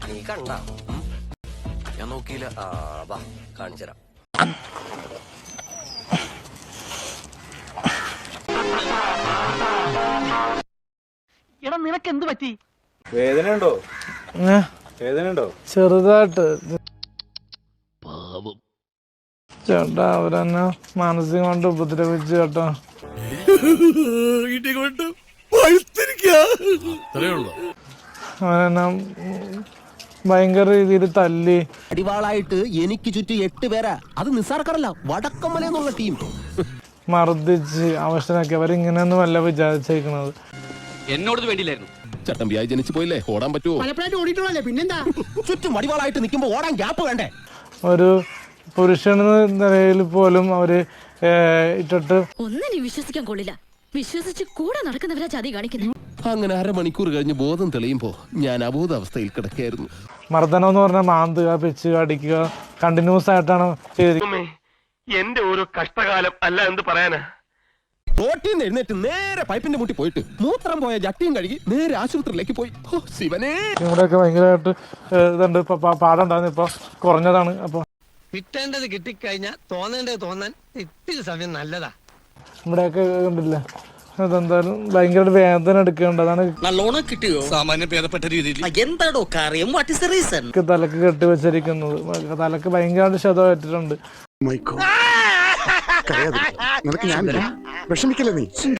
നീ കണ്ട ഞാൻ നോക്കിയില്ല. വാ കാണിച്ചുതരാം. എടാ നിനക്ക് എന്ത് പറ്റി? വേദനയുണ്ടോ? വേദനയുണ്ടോ? ചെറുതായിട്ട് ചേട്ടാ. അവരെന്നെ മാനസികമായിട്ട് ഉപദ്രവിച്ചു ചേട്ടാ. അവരെന്നെ ഭയങ്കര രീതിയിൽ തല്ലി. അടിവാളായിട്ട് എനിക്ക് ചുറ്റും 8 പേരാ. അത് നിസ്സാർക്കാരല്ല, വടക്കമ്മല എന്നുള്ള ടീം. മർദ്ദിച്ച് അവശനാക്കി. അവരിങ്ങനെയൊന്നും അല്ല വിചാരിച്ചേക്കണത്. എന്നോട് വേണ്ടിയില്ലായിരുന്നു. ചട്ടമ്പിയായി ജനിച്ചു പോയില്ലേ, ഓടാൻ പറ്റുമോ? പിന്നെന്താ ചുറ്റും അടിവാളായിട്ട് നിൽക്കുമ്പോ ഓടാൻ ഗ്യാപ്പ് വേണ്ടേ? ഒരു പുരുഷനെന്ന നിലയിൽ പോലും അവര് ഇട്ടിട്ട് ഒന്നിനും വിശ്വസിക്കാൻ കൊള്ളില്ല. വിശ്വസിച്ച് കൂടെ നടക്കുന്നവരാ ചതി കാണിക്കുന്നത്. അങ്ങനെ അരമണിക്കൂർ കഴിഞ്ഞ് ബോധം തെളിയുമ്പോ ഞാൻ അബോധാവസ്ഥയിൽ കിടക്കായിരുന്നു. മർദ്ദനം എന്ന് പറഞ്ഞാൽ മാന്തുക, പിച്ചുക, അടിക്കുക കണ്ടിന്യൂസ് ആയിട്ടാണ് ചെയ്തിരിക്കുന്നത്. എന്റെ ഒരു കഷ്ടകാലം അല്ല എന്ത് പറയാനാ. റോട്ടിൽ നിന്ന് എഴുന്നേറ്റ് നേരെ പൈപ്പിന്റെ മുട്ടി പോയിട്ട് മൂത്രം പോയ ജട്ടിയും കഴുകി നേരെ ആശുപത്രിയിലേക്ക് പോയി. ശിവനെ, ഇവിടെയൊക്കെ ഭയങ്കരമായിട്ട് ഇതുണ്ട്. ഇപ്പൊ പാടുണ്ടായിരുന്നു, ഇപ്പൊ കുറഞ്ഞതാണ്. അപ്പൊ കിട്ടേണ്ടത് കിട്ടിക്കഴിഞ്ഞാൽ തോന്നേണ്ടത് തോന്നാൻ ഇത്തിരി സമയം നല്ലതാ. ഇവിടെയൊക്കെ കണ്ടില്ല. അതെന്തായാലും ഭയങ്കര വേദന എടുക്കേണ്ടത്. അതാണ് നല്ലോണം കിട്ടിയോ? സാമാന്യം ഭേദപ്പെട്ട രീതിയിൽ. എന്താടോ കാര്യം? What is the reason? തലക്ക് കെട്ടിവെച്ചിരിക്കുന്നത്. തലക്ക് ഭയങ്കരമായിട്ട് ക്ഷതമേറ്റിട്ടുണ്ട്. നിനക്ക് ഞാൻ വിഷമിക്കല്ലേ നീ?